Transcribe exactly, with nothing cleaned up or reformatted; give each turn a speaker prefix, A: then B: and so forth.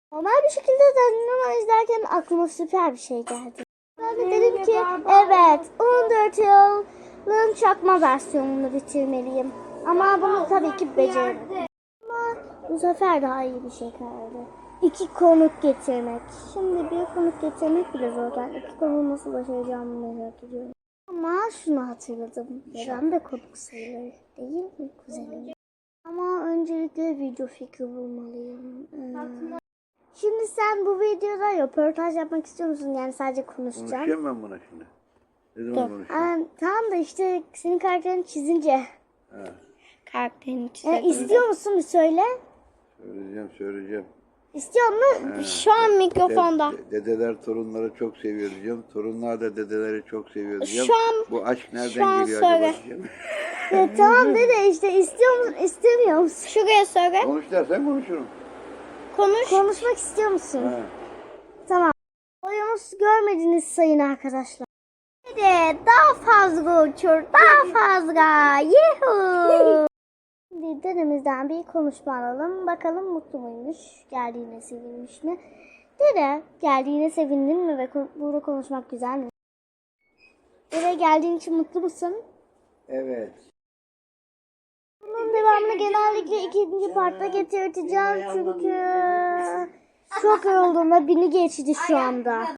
A: Normal bir şekilde Danilo izlerken aklıma süper bir şey geldi. Ben de dedim ki evet on dört yılın çakma versiyonunu bitirmeliyim. Ama bunu tabii ki beceremedim. Ama bu sefer daha iyi bir şey kaldı. İki konuk getirmek. Şimdi bir konuk getirmek bile zor. Ben iki konuğu nasıl başaracağımı merak ediyorum. Ama şunu hatırladım. Ben de konuk sayılır değil mi kuzenim? Ama öncelikle video fikri bulmalıyım. Ee, şimdi sen bu videoda röportaj yapmak istiyor musun? Yani sadece konuşacağım.
B: Konuşacağım ben buna şimdi. Ne zaman konuşacağım?
A: Ee, tamam da işte senin karakterini çizince.
B: Ha,
A: Karakterini çizelim. Ee, istiyor musun bir söyle.
B: söyleyeceğim söyleyeceğim.
A: İstiyor musun?
B: Ha,
A: Şu an mikrofonda.
B: de- dedeler torunları çok seviyor diyeceğim. Torunlar da dedeleri çok seviyor diyeceğim.
A: Şu an-
B: Bu aşk nereden
A: şu an
B: geliyor
A: söyle.
B: acaba diyeceğim.
A: Ya, tamam dede işte istiyor musun istemiyor musun? Şuraya söyle.
B: Konuş dersen konuşurum.
A: Konuş. Konuşmak istiyor musun?
B: Ha.
A: Tamam. Oyunuz görmediniz sayın arkadaşlar. Dede daha fazla uçur daha fazla. Yuhuu. Şimdi dedemizden bir konuşma alalım. Bakalım mutlu muymuş? Geldiğine sevinmiş mi? Dede geldiğine sevindin mi ve ko- burada konuşmak güzel mi? Dede geldiğin için mutlu musun?
B: Evet.
A: Bunun devamını genellikle ikinci partta getireceğim çünkü çok yoruldum ve beni geçti şu anda.